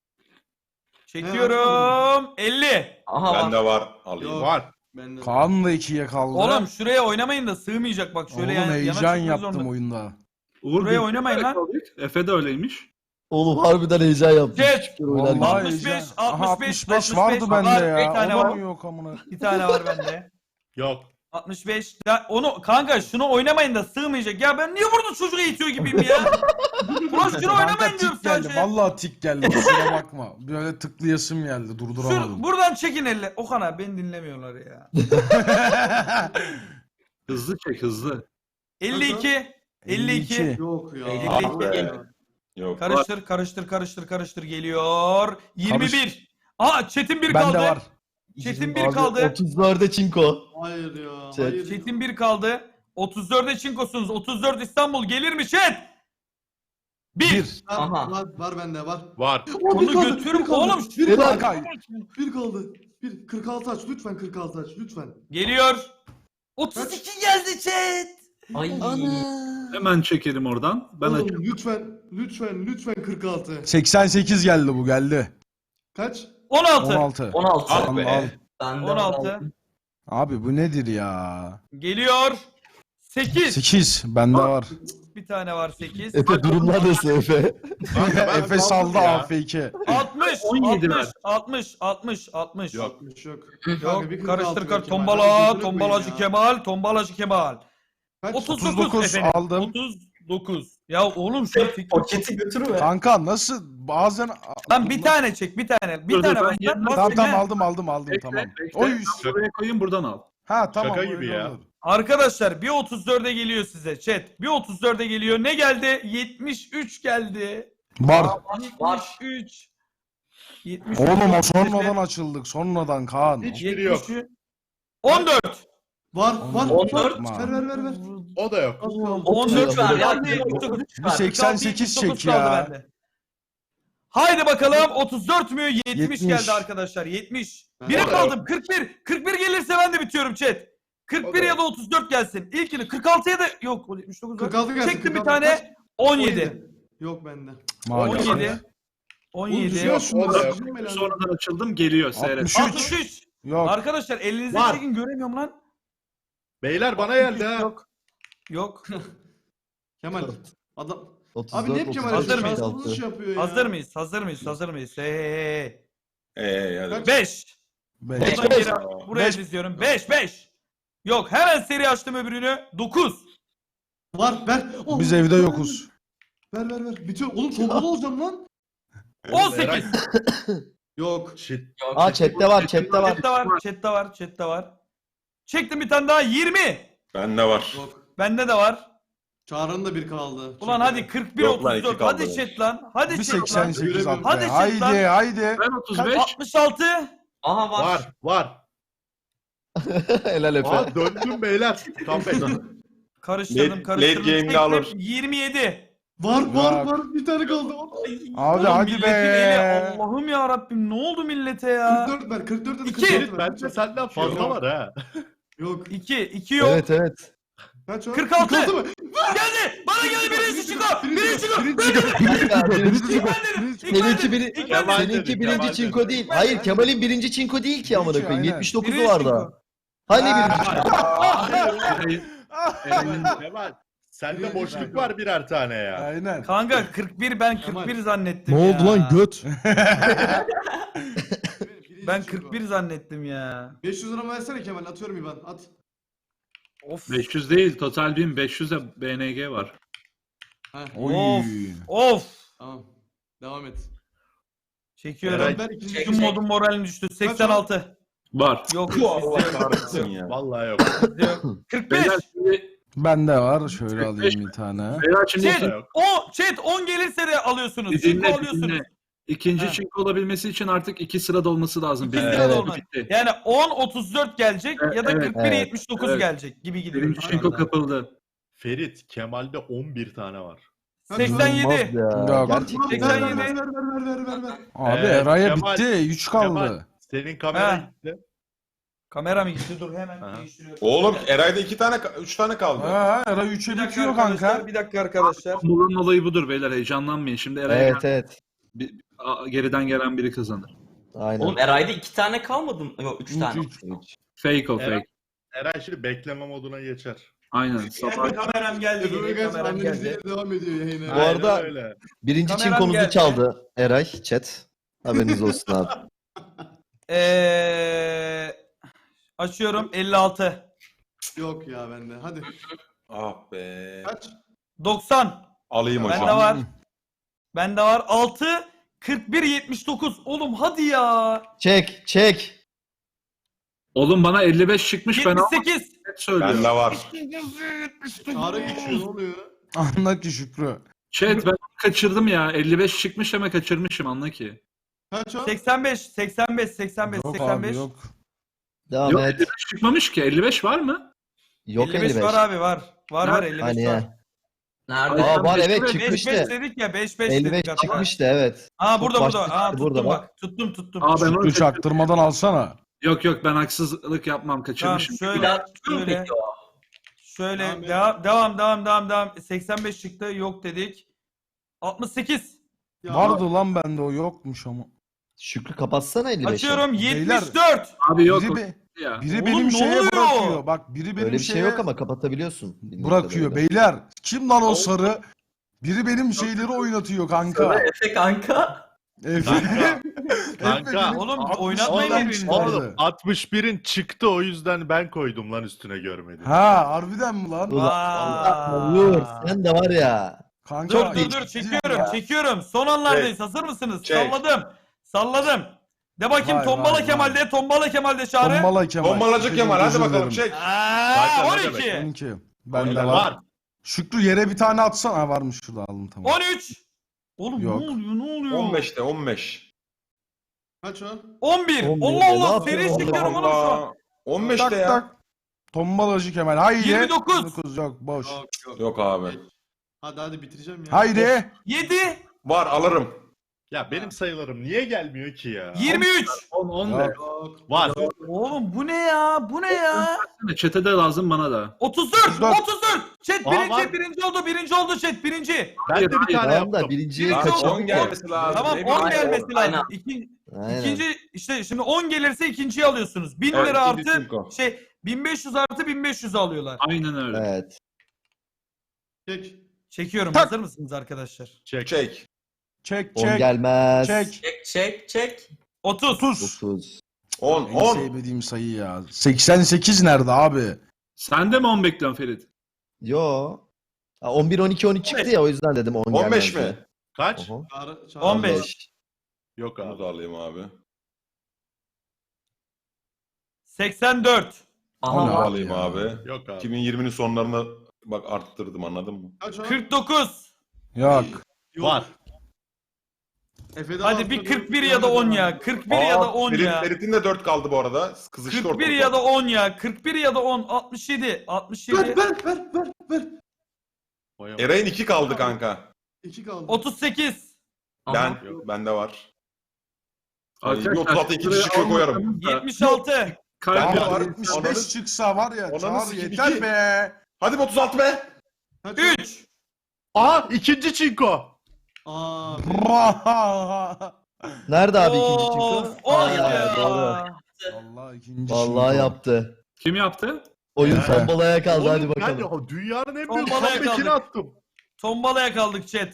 [SPEAKER 1] Çekiyorum. 50.
[SPEAKER 6] Aha var.
[SPEAKER 8] Bende var. Alayım.
[SPEAKER 4] Yok.
[SPEAKER 2] Var.
[SPEAKER 4] Bende.
[SPEAKER 7] Kaan da 2'ye kaldı.
[SPEAKER 1] Oğlum şuraya oynamayın da sığmayacak bak şöyle
[SPEAKER 7] Oğlum
[SPEAKER 1] yana
[SPEAKER 7] heyecan
[SPEAKER 1] çıkmak
[SPEAKER 7] yaptım
[SPEAKER 1] zorunda.
[SPEAKER 7] oyunda.
[SPEAKER 5] Uğur
[SPEAKER 1] Buraya
[SPEAKER 5] bir-
[SPEAKER 1] oynamayın lan.
[SPEAKER 5] Efe de öyleymiş.
[SPEAKER 3] Oğlum harbiden heyecan yaptım.
[SPEAKER 1] Geç.
[SPEAKER 3] Şükür oynarken.
[SPEAKER 7] Vallahi
[SPEAKER 1] 65,
[SPEAKER 7] heyecan.
[SPEAKER 1] 65,
[SPEAKER 7] Aha, 65 vardı bende
[SPEAKER 1] var,
[SPEAKER 7] ya.
[SPEAKER 1] bir tane
[SPEAKER 7] O da
[SPEAKER 1] var.
[SPEAKER 7] mı yok amına?
[SPEAKER 1] Bir tane var bende.
[SPEAKER 2] Yok.
[SPEAKER 1] 65. Ya onu kanka şunu oynamayın da sığmayacak. Ya ben niye burada çocuğu eğitiyor gibiyim ya? Ulan şunu
[SPEAKER 7] Kanka
[SPEAKER 1] oynamayın diyorum
[SPEAKER 7] tik geldi.
[SPEAKER 1] sadece.
[SPEAKER 7] Vallahi tik geldi. Kusura bakma. Böyle tıklayasım geldi. Durduramadım.
[SPEAKER 1] Buradan çekin elle. Okan abi beni dinlemiyorlar ya.
[SPEAKER 5] Hızlı çek hızlı.
[SPEAKER 1] 52. 52.
[SPEAKER 4] Yok ya.
[SPEAKER 1] 52.
[SPEAKER 8] Yok.
[SPEAKER 1] Karıştır geliyor. 21. Aa Çetin bir kaldı.
[SPEAKER 7] Bende var.
[SPEAKER 1] Çetin bir
[SPEAKER 3] Abi,
[SPEAKER 1] kaldı.
[SPEAKER 3] 34'e çinko.
[SPEAKER 4] Hayır ya.
[SPEAKER 3] Chat.
[SPEAKER 4] Hayır.
[SPEAKER 1] Çetin bir kaldı. 34'e çinkosunuz. 34 İstanbul gelir mi chat? 1.
[SPEAKER 6] Aha.
[SPEAKER 4] Var bende var.
[SPEAKER 2] Var.
[SPEAKER 1] Onu götürün oğlum.
[SPEAKER 4] Bir kaldı.
[SPEAKER 7] Kanka.
[SPEAKER 4] Bir kaldı. 46 aç lütfen 46 aç lütfen.
[SPEAKER 1] Geliyor. 32 geldi chat.
[SPEAKER 6] Ay.
[SPEAKER 5] Hemen çekelim oradan. Ben
[SPEAKER 4] Oğlum
[SPEAKER 5] açayım.
[SPEAKER 4] lütfen 46.
[SPEAKER 7] 88 geldi bu geldi.
[SPEAKER 4] Kaç?
[SPEAKER 1] 16.
[SPEAKER 7] 16.
[SPEAKER 6] 16.
[SPEAKER 2] Al be.
[SPEAKER 7] Al.
[SPEAKER 6] Ben de
[SPEAKER 1] 16.
[SPEAKER 7] Abi bu nedir ya?
[SPEAKER 1] Geliyor. 8.
[SPEAKER 7] 8 bende var.
[SPEAKER 1] Bir tane var 8.
[SPEAKER 3] Efe durumlar nasıl Efe?
[SPEAKER 2] Kanka ben
[SPEAKER 7] Efe saldı
[SPEAKER 2] kaldım ya.
[SPEAKER 7] AF2.
[SPEAKER 1] 60.
[SPEAKER 5] 17
[SPEAKER 1] 60.
[SPEAKER 5] ver.
[SPEAKER 1] 60. 60. 60.
[SPEAKER 2] Yok.
[SPEAKER 4] Yok.
[SPEAKER 1] Yok.
[SPEAKER 4] bir 46
[SPEAKER 1] Karıştır
[SPEAKER 4] ver
[SPEAKER 1] kar.
[SPEAKER 4] Kemal.
[SPEAKER 1] Tombala.
[SPEAKER 4] Hadi
[SPEAKER 1] Tombalacı
[SPEAKER 4] ya.
[SPEAKER 1] Kemal. Tombalacı Kemal.
[SPEAKER 4] Kaç?
[SPEAKER 1] 39 efendim.
[SPEAKER 7] aldım.
[SPEAKER 1] 39. Ya oğlum şu fikri.
[SPEAKER 6] Paketi götürüver.
[SPEAKER 7] Kanka nasıl bazen...
[SPEAKER 1] Lan bir tane çek bir tane. Bir
[SPEAKER 5] Dur,
[SPEAKER 1] tane
[SPEAKER 5] ben
[SPEAKER 1] bas.
[SPEAKER 5] yerine-
[SPEAKER 1] Bas
[SPEAKER 7] Tamam
[SPEAKER 1] çekme.
[SPEAKER 7] aldım
[SPEAKER 5] Bekle,
[SPEAKER 7] tamam.
[SPEAKER 5] bekle.
[SPEAKER 7] Oy.
[SPEAKER 5] Ben buraya koyayım buradan al.
[SPEAKER 7] Ha tamam.
[SPEAKER 2] Şaka
[SPEAKER 7] öyle
[SPEAKER 2] gibi ya.
[SPEAKER 7] olur.
[SPEAKER 1] Arkadaşlar bir 34'e geliyor size chat. Bir 34'e geliyor. Ne geldi? 73 geldi.
[SPEAKER 7] Var.
[SPEAKER 6] Var.
[SPEAKER 1] 73. 73.
[SPEAKER 7] Oğlum o sonradan açıldık. Sonradan Kaan.
[SPEAKER 2] Hiçbiri yok.
[SPEAKER 1] 14.
[SPEAKER 4] Var.
[SPEAKER 6] 14.
[SPEAKER 4] Ver.
[SPEAKER 2] O da yok.
[SPEAKER 4] Az kaldı.
[SPEAKER 1] 14
[SPEAKER 6] ver,
[SPEAKER 1] geldi.
[SPEAKER 6] hadi.
[SPEAKER 1] 79.
[SPEAKER 7] Bir 88 çek
[SPEAKER 1] 79 kaldı
[SPEAKER 7] ya.
[SPEAKER 1] bende. Haydi bakalım 34 mü? 70
[SPEAKER 7] 70.
[SPEAKER 1] geldi arkadaşlar. 70.
[SPEAKER 4] Ben-
[SPEAKER 1] Bire
[SPEAKER 2] O da
[SPEAKER 1] kaldım. 41. 41 gelirse ben de bitiyorum chat. 41
[SPEAKER 2] O da
[SPEAKER 1] ya da 34 gelsin. İlkini 46'ya da yok. 79 var.
[SPEAKER 4] 46 gelsin.
[SPEAKER 1] Çektim bir
[SPEAKER 4] 46
[SPEAKER 1] tane.
[SPEAKER 4] kaç?
[SPEAKER 1] 17.
[SPEAKER 4] Yok bende.
[SPEAKER 7] Maalesef.
[SPEAKER 1] 17. 17.
[SPEAKER 4] Oğlum, şunu
[SPEAKER 2] o da yok.
[SPEAKER 4] düşürme lan.
[SPEAKER 5] Sonradan açıldım geliyor seyret.
[SPEAKER 7] 63.
[SPEAKER 1] 63.
[SPEAKER 7] Yok.
[SPEAKER 1] Arkadaşlar elinize
[SPEAKER 2] Var.
[SPEAKER 1] çekin göremiyorum lan.
[SPEAKER 2] Beyler bana geldi ha.
[SPEAKER 1] Yok. Yok.
[SPEAKER 4] Kemal. Adam.
[SPEAKER 3] 34,
[SPEAKER 4] Abi ne hep Kemal
[SPEAKER 1] Hazır mıyız?
[SPEAKER 4] şanssızlık şey yapıyor ya.
[SPEAKER 1] Hazır mıyız? Hazır mıyız? Hazır mıyız? Hey.
[SPEAKER 8] Hadi.
[SPEAKER 1] 5.
[SPEAKER 7] Beş.
[SPEAKER 1] Buradan geri buraya
[SPEAKER 7] Beş.
[SPEAKER 1] diziyorum. 5. Yok hemen seri açtım öbürünü. 9.
[SPEAKER 4] Var ver. Oh,
[SPEAKER 7] Biz evde yokuz.
[SPEAKER 4] Ver. Bitiyor. Oğlum tombala olacağım lan.
[SPEAKER 1] 18.
[SPEAKER 4] Yok.
[SPEAKER 2] Shit.
[SPEAKER 6] Yok.
[SPEAKER 3] Aa chatte var.
[SPEAKER 1] Chat'te var. Çektim bir tane daha 20.
[SPEAKER 8] Bende var.
[SPEAKER 4] Yok.
[SPEAKER 1] Bende de var.
[SPEAKER 4] Çağrı'nın da bir kaldı.
[SPEAKER 1] Ulan
[SPEAKER 4] Çünkü-
[SPEAKER 1] hadi 41
[SPEAKER 8] Yok lan,
[SPEAKER 1] 34.
[SPEAKER 8] iki kaldı
[SPEAKER 1] Hadi
[SPEAKER 8] be.
[SPEAKER 1] chat lan. Hadi
[SPEAKER 7] Bir
[SPEAKER 1] chat lan.
[SPEAKER 7] 88 attı.
[SPEAKER 1] Hadi çık
[SPEAKER 7] Haydi
[SPEAKER 1] lan.
[SPEAKER 7] haydi.
[SPEAKER 5] Ben 35.
[SPEAKER 1] 66.
[SPEAKER 6] Aha var.
[SPEAKER 2] Var.
[SPEAKER 3] Helal Efe.
[SPEAKER 2] Aa döndüm beyler. Comeback.
[SPEAKER 1] Karıştırdım.
[SPEAKER 8] Late game'de
[SPEAKER 1] Çektim.
[SPEAKER 8] alır.
[SPEAKER 1] 27.
[SPEAKER 4] Var.
[SPEAKER 7] Yok.
[SPEAKER 4] Bir tane kaldı.
[SPEAKER 7] Abi
[SPEAKER 1] Oğlum
[SPEAKER 7] hadi
[SPEAKER 1] milletin eli,
[SPEAKER 7] be.
[SPEAKER 1] Allah'ım ya Rabbim ne oldu millete ya?
[SPEAKER 4] 44 ver. 44 de
[SPEAKER 1] İki.
[SPEAKER 4] 44 ver.
[SPEAKER 2] Bence senden fazla var ha.
[SPEAKER 4] Yok.
[SPEAKER 1] 2 yok.
[SPEAKER 3] Evet.
[SPEAKER 4] Kaç o?
[SPEAKER 1] 46.
[SPEAKER 4] 46 mı?
[SPEAKER 1] Geldi. Bana geldi birisi çıkıyor. Birisi çıkıyor.
[SPEAKER 3] Seninki biri,
[SPEAKER 2] Kemal
[SPEAKER 3] seninki
[SPEAKER 2] dedi,
[SPEAKER 3] birinci
[SPEAKER 2] Kemal
[SPEAKER 3] çinko
[SPEAKER 2] dedi.
[SPEAKER 3] değil. Hayır Kemal'in birinci çinko değil ki amına koyayım.
[SPEAKER 7] Aynen.
[SPEAKER 3] 79'u var daha. Hani birinci çinko?
[SPEAKER 2] Kemal. Sende boşluk var birer tane ya.
[SPEAKER 7] Aynen.
[SPEAKER 1] Kanka 41 ben 41 zannettim
[SPEAKER 3] Ne
[SPEAKER 1] ya.
[SPEAKER 3] oldu lan göt?
[SPEAKER 1] Ben 41 zannettim ya.
[SPEAKER 4] 500 lira versene Kemal. Atıyorum İban. At.
[SPEAKER 1] Of.
[SPEAKER 5] 500 değil total 1500'e BNG var.
[SPEAKER 4] Heh.
[SPEAKER 7] Oy.
[SPEAKER 1] Of.
[SPEAKER 4] Tamam. Devam et.
[SPEAKER 1] Çekiyorum.
[SPEAKER 2] Eray,
[SPEAKER 4] Ben ikinci
[SPEAKER 6] çek.
[SPEAKER 1] Tüm modun moralin düştü. 86.
[SPEAKER 5] Var.
[SPEAKER 1] Yok.
[SPEAKER 8] Allah kahretsin ya.
[SPEAKER 2] Vallahi yok.
[SPEAKER 1] bizde yok. 45.
[SPEAKER 5] Beyler şimdi,
[SPEAKER 7] Bende var. Şöyle alayım bir tane.
[SPEAKER 5] beyler şimdi
[SPEAKER 1] Chat,
[SPEAKER 2] yok.
[SPEAKER 1] chat 10 gelirse de alıyorsunuz.
[SPEAKER 5] Bir
[SPEAKER 1] Çinko
[SPEAKER 5] dinle,
[SPEAKER 1] alıyorsunuz.
[SPEAKER 5] dinle. İkinci
[SPEAKER 1] Ha.
[SPEAKER 5] çinko olabilmesi için artık 2 sırada olması lazım.
[SPEAKER 1] İki
[SPEAKER 5] Birinci
[SPEAKER 1] sırada
[SPEAKER 5] çinko
[SPEAKER 1] olmaz.
[SPEAKER 5] bitti.
[SPEAKER 1] Yani 10 34 gelecek ya da
[SPEAKER 5] Evet,
[SPEAKER 1] 41
[SPEAKER 3] evet.
[SPEAKER 1] 79
[SPEAKER 5] Evet.
[SPEAKER 1] gelecek gibi gidiyor.
[SPEAKER 5] Birinci çinko kapıldı.
[SPEAKER 2] Ferit, Kemal'de 11 tane var.
[SPEAKER 1] 87.
[SPEAKER 3] İnanılmaz ya.
[SPEAKER 7] Yok.
[SPEAKER 3] Gerçekten.
[SPEAKER 4] Ver.
[SPEAKER 7] Abi
[SPEAKER 2] Evet,
[SPEAKER 7] Eray'a
[SPEAKER 2] Kemal-
[SPEAKER 7] bitti. 3 kaldı.
[SPEAKER 2] Kemal, senin kamera
[SPEAKER 1] Ha.
[SPEAKER 2] gitti.
[SPEAKER 1] Kamera mı gitti? Dur hemen
[SPEAKER 2] Aha.
[SPEAKER 1] değiştiriyorum.
[SPEAKER 8] Oğlum Eray'da 3 tane kaldı.
[SPEAKER 7] Ha, Eray 3'e
[SPEAKER 1] Bir dakika
[SPEAKER 7] bitiyor
[SPEAKER 1] arkadaşlar,
[SPEAKER 7] kanka.
[SPEAKER 1] bir dakika arkadaşlar.
[SPEAKER 5] Bunun olayı budur beyler, heyecanlanmayın. Şimdi Eray'a
[SPEAKER 3] Evet evet.
[SPEAKER 5] geriden gelen biri kazanır.
[SPEAKER 3] Aynen.
[SPEAKER 6] Oğlum Eray'da 2 tane kalmadı mı? Yok 3 tane.
[SPEAKER 7] Üç.
[SPEAKER 5] Fake o
[SPEAKER 2] Eray-
[SPEAKER 5] fake.
[SPEAKER 2] Eray şimdi bekleme moduna geçer.
[SPEAKER 5] Aynen. Sabah
[SPEAKER 1] Kameram geldi.
[SPEAKER 4] Efe
[SPEAKER 1] Yine
[SPEAKER 4] Uygaç
[SPEAKER 1] kameram
[SPEAKER 4] anneniz
[SPEAKER 1] geldi.
[SPEAKER 4] diye devam ediyor yayına.
[SPEAKER 3] Bu
[SPEAKER 2] Aynen
[SPEAKER 3] arada-
[SPEAKER 2] öyle.
[SPEAKER 3] Birinci
[SPEAKER 1] Kameram
[SPEAKER 3] çinkomuzu
[SPEAKER 1] geldi.
[SPEAKER 3] çaldı Eray chat. Haberiniz olsun abi.
[SPEAKER 1] Açıyorum 56.
[SPEAKER 4] Yok ya bende. Hadi.
[SPEAKER 8] Ah be.
[SPEAKER 4] Kaç?
[SPEAKER 1] 90.
[SPEAKER 8] Alayım hocam.
[SPEAKER 1] Bende var. Bende var 6. 41 79. Oğlum hadi ya.
[SPEAKER 3] Çek çek.
[SPEAKER 5] oğlum bana 55 çıkmış, ben
[SPEAKER 1] 78.
[SPEAKER 5] söylüyorum.
[SPEAKER 8] Bende var.
[SPEAKER 4] Çağrı geçiyor ne oluyor?
[SPEAKER 7] Anla ki Şükrü.
[SPEAKER 5] Chat ben kaçırdım ya. 55 çıkmış ama kaçırmışım, anla ki.
[SPEAKER 4] Kaç o?
[SPEAKER 1] 85 85 85
[SPEAKER 7] Yok
[SPEAKER 1] 85.
[SPEAKER 7] abi yok.
[SPEAKER 3] Devam
[SPEAKER 5] Yok
[SPEAKER 3] et.
[SPEAKER 5] 55 çıkmamış ki. 55 var mı?
[SPEAKER 3] Yok
[SPEAKER 1] 55 var abi var. Var var 55
[SPEAKER 3] Hani
[SPEAKER 1] var.
[SPEAKER 3] ya.
[SPEAKER 6] Nerede?
[SPEAKER 3] Aa var
[SPEAKER 5] beş-
[SPEAKER 3] evet
[SPEAKER 1] 5
[SPEAKER 3] çıkmıştı.
[SPEAKER 1] 5 dedik ya 5 5
[SPEAKER 3] 55
[SPEAKER 1] dedik. hatta.
[SPEAKER 3] çıkmıştı evet.
[SPEAKER 1] Aa burada
[SPEAKER 3] Çok
[SPEAKER 1] burada.
[SPEAKER 3] başta
[SPEAKER 1] Aa
[SPEAKER 3] çıktı,
[SPEAKER 1] tuttum
[SPEAKER 3] burada
[SPEAKER 1] bak. Tuttum.
[SPEAKER 5] Aa, ben onu
[SPEAKER 7] Şükrü çaktırmadan alsana.
[SPEAKER 5] Yok ben haksızlık yapmam,
[SPEAKER 1] Tamam
[SPEAKER 5] kaçırmışım.
[SPEAKER 6] Bir
[SPEAKER 1] şöyle
[SPEAKER 6] daha çıkıyor mu
[SPEAKER 1] şöyle
[SPEAKER 6] peki o?
[SPEAKER 1] şöyle
[SPEAKER 4] Devam
[SPEAKER 1] devam. 85 çıktı yok dedik. 68.
[SPEAKER 4] Ya,
[SPEAKER 7] Vardı lan bende o yokmuş ama.
[SPEAKER 3] Şükrü kapatsana 55'i.
[SPEAKER 1] Açıyorum
[SPEAKER 7] Beyler.
[SPEAKER 1] 74.
[SPEAKER 5] Abi yok
[SPEAKER 7] Biri,
[SPEAKER 5] o
[SPEAKER 7] be-
[SPEAKER 5] ya.
[SPEAKER 7] biri
[SPEAKER 1] Oğlum,
[SPEAKER 7] benim
[SPEAKER 1] ne
[SPEAKER 7] şeye
[SPEAKER 1] oluyor?
[SPEAKER 7] bırakıyor. Bak biri benim
[SPEAKER 3] Öyle bir şey
[SPEAKER 7] şeye
[SPEAKER 3] yok ama kapatabiliyorsun. bildiğim
[SPEAKER 7] bırakıyor.
[SPEAKER 3] kadarıyla.
[SPEAKER 7] Beyler kim lan o sarı? Biri benim şeyleri oynatıyor kanka.
[SPEAKER 6] Sana Efe kanka.
[SPEAKER 7] Efe.
[SPEAKER 2] Kanka.
[SPEAKER 7] Efe
[SPEAKER 2] Kanka.
[SPEAKER 7] benim
[SPEAKER 1] Oğlum,
[SPEAKER 7] 60
[SPEAKER 1] oynatmayın
[SPEAKER 7] adam
[SPEAKER 1] birbirini.
[SPEAKER 7] çıkardı.
[SPEAKER 2] Oğlum 61'in çıktı, o yüzden ben koydum lan üstüne, görmedim.
[SPEAKER 7] Ha harbiden mi lan?
[SPEAKER 3] Ulan
[SPEAKER 1] Aa.
[SPEAKER 3] Vur sen de var ya.
[SPEAKER 7] Kanka.
[SPEAKER 1] Dur çekiyorum. Son anlardayız. Hazır mısınız?
[SPEAKER 8] Çek.
[SPEAKER 1] Salladım. De bakayım
[SPEAKER 7] Vay,
[SPEAKER 1] Tombala
[SPEAKER 7] vay,
[SPEAKER 1] Kemal
[SPEAKER 7] vay.
[SPEAKER 1] de. Tombala Kemal de çağrı.
[SPEAKER 7] Tombala Kemal.
[SPEAKER 8] Bombalacı Kemal hadi
[SPEAKER 7] Özür
[SPEAKER 8] bakalım
[SPEAKER 7] dilerim.
[SPEAKER 8] çek.
[SPEAKER 1] Aa,
[SPEAKER 2] Kanka, ne
[SPEAKER 1] 12.
[SPEAKER 2] demek?
[SPEAKER 7] 12. Bende
[SPEAKER 2] Var.
[SPEAKER 7] var. Şükrü yere bir tane atsana. Ha, varmış şurada, aldım tamam.
[SPEAKER 1] 13. Oğlum
[SPEAKER 7] Yok.
[SPEAKER 1] ne oluyor?
[SPEAKER 8] 15'te 15.
[SPEAKER 4] Kaç o?
[SPEAKER 1] 11.
[SPEAKER 3] 11.
[SPEAKER 1] Allah
[SPEAKER 3] Ne
[SPEAKER 1] Allah
[SPEAKER 3] yapıyor
[SPEAKER 1] seri
[SPEAKER 3] Allah
[SPEAKER 1] çekiyorum oğlum şu an.
[SPEAKER 8] Allah. 15'te
[SPEAKER 7] Tak
[SPEAKER 8] ya.
[SPEAKER 7] tak. Tombalacı Kemal. Haydi.
[SPEAKER 1] 29.
[SPEAKER 7] 29 yok boş.
[SPEAKER 8] Yok abi.
[SPEAKER 4] Hadi bitireceğim ya.
[SPEAKER 7] Haydi.
[SPEAKER 1] 7.
[SPEAKER 8] Var alırım.
[SPEAKER 2] Ya benim sayılarım niye gelmiyor ki ya?
[SPEAKER 1] 23.
[SPEAKER 5] 10
[SPEAKER 7] Ya.
[SPEAKER 5] de.
[SPEAKER 2] Var.
[SPEAKER 1] Oğlum bu ne ya? Bu ne ya?
[SPEAKER 5] Çete de lazım, bana da.
[SPEAKER 1] 34. 34. Chat
[SPEAKER 2] Aa, var.
[SPEAKER 1] birinci oldu chat birinci.
[SPEAKER 2] Ben de bir tane
[SPEAKER 3] Tamam da
[SPEAKER 2] yaptım.
[SPEAKER 3] birinciyi
[SPEAKER 1] Birinci
[SPEAKER 3] kaçırdık.
[SPEAKER 1] oldu.
[SPEAKER 8] 10 gelmesi lazım.
[SPEAKER 1] Tamam
[SPEAKER 8] Ne
[SPEAKER 1] 10
[SPEAKER 8] bileyim.
[SPEAKER 1] gelmesi
[SPEAKER 6] Aynen.
[SPEAKER 1] lazım.
[SPEAKER 3] Aynen.
[SPEAKER 1] İkinci işte şimdi 10 gelirse ikinciyi alıyorsunuz. 1000
[SPEAKER 8] Evet,
[SPEAKER 1] lira
[SPEAKER 8] ikinci
[SPEAKER 1] artı
[SPEAKER 8] cinko.
[SPEAKER 1] 1500 artı 1500 alıyorlar.
[SPEAKER 5] Aynen öyle.
[SPEAKER 3] Evet.
[SPEAKER 4] Çek.
[SPEAKER 1] Çekiyorum.
[SPEAKER 7] Tak.
[SPEAKER 1] Hazır mısınız arkadaşlar?
[SPEAKER 2] Çek.
[SPEAKER 8] Çek.
[SPEAKER 7] Çek
[SPEAKER 3] 10
[SPEAKER 7] çek.
[SPEAKER 3] gelmez.
[SPEAKER 7] Çek.
[SPEAKER 6] Çek.
[SPEAKER 1] 30.
[SPEAKER 7] 30.
[SPEAKER 3] 9.
[SPEAKER 8] 10
[SPEAKER 7] En
[SPEAKER 8] 10.
[SPEAKER 7] sevmediğim sayı ya. 88 nerede abi?
[SPEAKER 5] Sen de mi 10 bekliyorsun Ferit?
[SPEAKER 3] Yo. Ha, 11 12 13 çıktı ya o yüzden dedim 10 gelmez.
[SPEAKER 8] 15
[SPEAKER 3] diye.
[SPEAKER 8] mi?
[SPEAKER 2] Kaç?
[SPEAKER 3] Oho.
[SPEAKER 4] Çağrı.
[SPEAKER 1] 15.
[SPEAKER 2] Yok
[SPEAKER 8] Bunu
[SPEAKER 2] abi.
[SPEAKER 8] da alayım abi.
[SPEAKER 1] 84.
[SPEAKER 8] Bunu da
[SPEAKER 6] Aha.
[SPEAKER 7] Abi
[SPEAKER 8] alayım
[SPEAKER 7] ya.
[SPEAKER 8] abi.
[SPEAKER 2] Yok abi.
[SPEAKER 8] 2020'nin sonlarına bak arttırdım, anladın mı?
[SPEAKER 4] Kaç o?
[SPEAKER 1] 49.
[SPEAKER 7] Yok.
[SPEAKER 4] Yok.
[SPEAKER 2] Var.
[SPEAKER 4] Efe'de
[SPEAKER 1] Hadi bir 41 ya da 10 ya. 41 ya da 10 ya.
[SPEAKER 8] Ferit'in de 4 kaldı bu arada. Kızıştı
[SPEAKER 1] 41
[SPEAKER 8] ortalık.
[SPEAKER 1] ya da 10 ya. 41 ya da 10. 67. 67.
[SPEAKER 4] Ver.
[SPEAKER 2] Vay
[SPEAKER 8] Eray'ın 2 kaldı kanka.
[SPEAKER 4] 2 kaldı.
[SPEAKER 1] 38.
[SPEAKER 8] Ben
[SPEAKER 6] Aha.
[SPEAKER 8] yok, bende var.
[SPEAKER 5] Arkadaşlar,
[SPEAKER 8] 36 ikinci çıkıyor koyarım.
[SPEAKER 1] 76.
[SPEAKER 8] Ben de
[SPEAKER 5] Kalp
[SPEAKER 8] var.
[SPEAKER 7] 75 çıksa var ya.
[SPEAKER 8] Ananı
[SPEAKER 7] Çağrı
[SPEAKER 8] sikeyim,
[SPEAKER 7] yeter
[SPEAKER 8] iki.
[SPEAKER 7] be.
[SPEAKER 8] Hadi be 36 be.
[SPEAKER 4] Kaç o?
[SPEAKER 1] 3.
[SPEAKER 2] Aha, ikinci çinko.
[SPEAKER 4] Aa.
[SPEAKER 3] Nerede abi ikinci
[SPEAKER 1] Of,
[SPEAKER 3] çıktı?
[SPEAKER 1] of
[SPEAKER 3] Aa,
[SPEAKER 1] ya.
[SPEAKER 3] doğru.
[SPEAKER 7] Vallahi ikinci.
[SPEAKER 3] Vallahi
[SPEAKER 7] şinko.
[SPEAKER 3] yaptı.
[SPEAKER 5] Kim yaptı?
[SPEAKER 3] Oyun
[SPEAKER 2] Ya.
[SPEAKER 3] tombalaya kaldı hadi
[SPEAKER 2] Oğlum,
[SPEAKER 3] bakalım.
[SPEAKER 2] Ben de dünyanın en büyük
[SPEAKER 1] Tombalaya
[SPEAKER 2] comeback'ini
[SPEAKER 1] kaldık.
[SPEAKER 2] attım.
[SPEAKER 1] Tombalaya kaldık chat.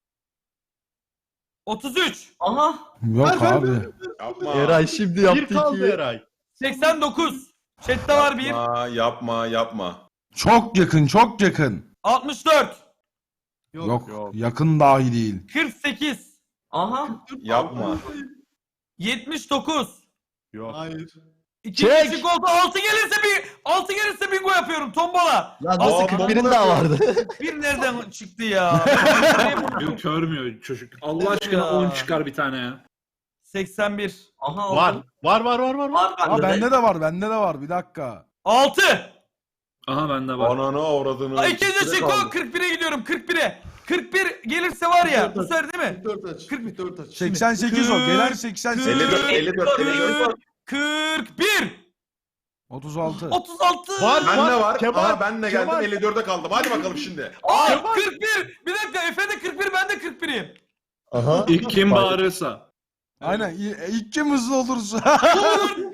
[SPEAKER 1] 33.
[SPEAKER 6] Aha.
[SPEAKER 7] Yok abi.
[SPEAKER 8] Yapma.
[SPEAKER 3] Eray şimdi
[SPEAKER 2] Bir
[SPEAKER 3] yaptı
[SPEAKER 2] kaldı
[SPEAKER 3] ki.
[SPEAKER 2] Eray.
[SPEAKER 1] 89. Chat'te var bir.
[SPEAKER 8] Yapma.
[SPEAKER 7] Çok yakın, çok yakın.
[SPEAKER 1] 64.
[SPEAKER 7] Yok,
[SPEAKER 2] yok.
[SPEAKER 7] yakın dahi değil.
[SPEAKER 1] 48.
[SPEAKER 6] Aha.
[SPEAKER 8] Yapma.
[SPEAKER 1] 79.
[SPEAKER 2] Yok.
[SPEAKER 4] Hayır.
[SPEAKER 1] İkinci
[SPEAKER 3] Çek.
[SPEAKER 1] oldu. 6 gelirse bingo yapıyorum. Tombala.
[SPEAKER 3] Lan nasıl
[SPEAKER 8] Aa,
[SPEAKER 3] 41'in daha vardı.
[SPEAKER 1] Bir nereden çıktı ya?
[SPEAKER 5] Yok, görmüyor çocuk. Allah aşkına
[SPEAKER 1] Ya.
[SPEAKER 5] 10 çıkar bir tane ya.
[SPEAKER 1] 81.
[SPEAKER 6] Aha.
[SPEAKER 2] Var.
[SPEAKER 6] oldu.
[SPEAKER 2] Var.
[SPEAKER 6] Var
[SPEAKER 7] Aa
[SPEAKER 6] bende de.
[SPEAKER 7] bende de var. Bir dakika.
[SPEAKER 1] 6.
[SPEAKER 5] Aha bende var.
[SPEAKER 8] Ananı avradını.
[SPEAKER 1] İkinci
[SPEAKER 8] Süre
[SPEAKER 1] çıktı.
[SPEAKER 8] kaldı.
[SPEAKER 1] 41'e gidiyorum. 41'e. 41 gelirse var ya. Bu sefer değil mi?
[SPEAKER 4] 44 aç. 44 aç.
[SPEAKER 7] 88 o. Gelen 88.
[SPEAKER 8] 54.
[SPEAKER 1] 41.
[SPEAKER 7] 36.
[SPEAKER 1] 36.
[SPEAKER 2] Var.
[SPEAKER 8] Bende var.
[SPEAKER 2] Kemal,
[SPEAKER 8] Aha ben de geldim
[SPEAKER 2] Kemal.
[SPEAKER 8] 54'e kaldım. Hadi bakalım şimdi.
[SPEAKER 1] Aa, 41. Bir dakika Efe de 41 ben de 41'im.
[SPEAKER 3] Aha.
[SPEAKER 5] İlk kim bağırırsa.
[SPEAKER 7] Aynen. İlk kim hızlı olursa.
[SPEAKER 1] Olur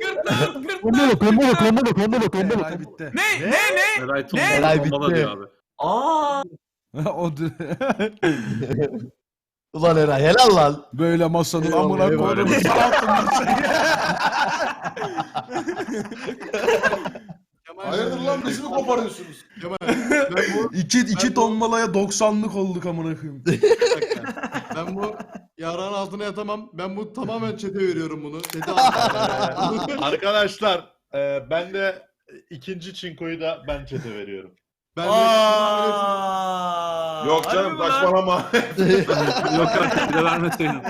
[SPEAKER 1] 44.
[SPEAKER 7] Eray bitti.
[SPEAKER 1] Ne?
[SPEAKER 5] Eray
[SPEAKER 3] Eray
[SPEAKER 5] tombala
[SPEAKER 3] bitti.
[SPEAKER 5] diyor abi.
[SPEAKER 6] Aa.
[SPEAKER 3] Ulan Eray helal lan.
[SPEAKER 7] Böyle masanın
[SPEAKER 3] Eyvallah,
[SPEAKER 7] amına
[SPEAKER 3] eyvallah.
[SPEAKER 7] koydum.
[SPEAKER 8] Hayırdır lan bizi mi koparıyorsunuz?
[SPEAKER 4] Kemal ben bu,
[SPEAKER 7] İki tombalaya 90'lık olduk amına koyayım.
[SPEAKER 4] ben bu yarağın altına yatamam. Ben bu tamamen çete veriyorum bunu. Çete
[SPEAKER 2] Arkadaşlar ben de ikinci çinkoyu da ben çete veriyorum.
[SPEAKER 4] Ben de
[SPEAKER 1] Aa.
[SPEAKER 8] Yok
[SPEAKER 1] Harbi
[SPEAKER 8] canım
[SPEAKER 1] mi lan?
[SPEAKER 8] saçmalama.
[SPEAKER 5] Yok artık bir de vermeseydin.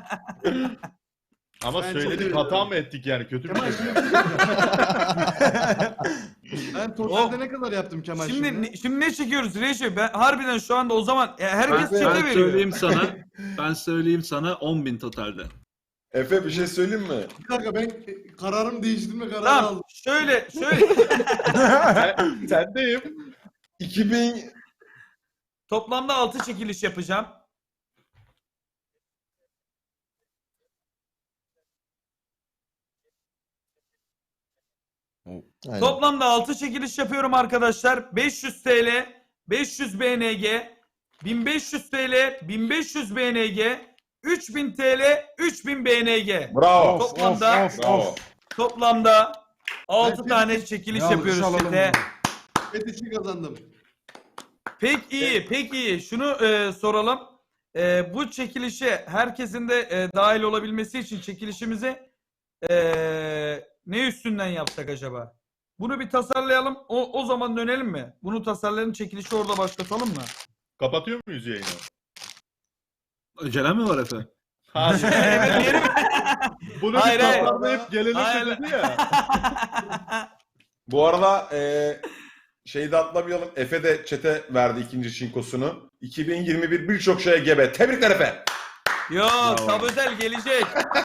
[SPEAKER 2] Ama
[SPEAKER 4] Ben
[SPEAKER 2] söyledik
[SPEAKER 4] çete
[SPEAKER 2] hata mı ettik yani kötü bir
[SPEAKER 4] Kemal
[SPEAKER 2] şey.
[SPEAKER 4] ben totalde ne kadar yaptım Kemal şimdi?
[SPEAKER 1] Şimdi ne çekiyoruz Reşe? Ben harbiden şu anda o zaman herkes
[SPEAKER 5] Ben
[SPEAKER 1] çete veriyor.
[SPEAKER 5] söyleyeyim sana 10.000 totalde.
[SPEAKER 8] Efe bir şey söyleyeyim mi?
[SPEAKER 4] Bir dakika ben kararımı değiştirme kararı
[SPEAKER 1] Tamam
[SPEAKER 4] aldım.
[SPEAKER 1] şöyle.
[SPEAKER 2] Sendeyim.
[SPEAKER 8] 2000
[SPEAKER 1] Toplamda 6 çekiliş yapacağım.
[SPEAKER 3] Aynen.
[SPEAKER 1] Toplamda 6 çekiliş yapıyorum arkadaşlar. 500 TL, 500 BNG, 1500 TL, 1500 BNG, 3000 TL, 3000 BNG.
[SPEAKER 8] bravo.
[SPEAKER 1] Toplamda
[SPEAKER 8] Bravo.
[SPEAKER 1] toplamda 6
[SPEAKER 4] Ben
[SPEAKER 1] tane çekiliş
[SPEAKER 7] Ya,
[SPEAKER 1] yapıyoruz
[SPEAKER 7] alalım
[SPEAKER 1] chat'e.
[SPEAKER 7] bunu.
[SPEAKER 4] Bet için kazandım.
[SPEAKER 1] Pek iyi. Şunu soralım. Bu çekilişe herkesin de dahil olabilmesi için çekilişimizi ne üstünden yapsak acaba? Bunu bir tasarlayalım. O zaman dönelim mi? Bunu tasarlayalım. Çekilişi orada başlatalım mı?
[SPEAKER 2] Kapatıyor muyuz yayını?
[SPEAKER 5] Acelem mi var Efe?
[SPEAKER 2] Hayır.
[SPEAKER 1] Evet, diyelim.
[SPEAKER 2] Bunu
[SPEAKER 1] Hayır,
[SPEAKER 2] bir
[SPEAKER 1] hayır.
[SPEAKER 2] tasarlayıp gelelim
[SPEAKER 1] Hayır.
[SPEAKER 2] dedi ya.
[SPEAKER 8] Bu arada şeyi de atlamayalım. Efe de çete verdi ikinci çinkosunu. 2021 birçok şeye gebe. Tebrikler Efe.
[SPEAKER 1] Yok, Tab Özel gelecek.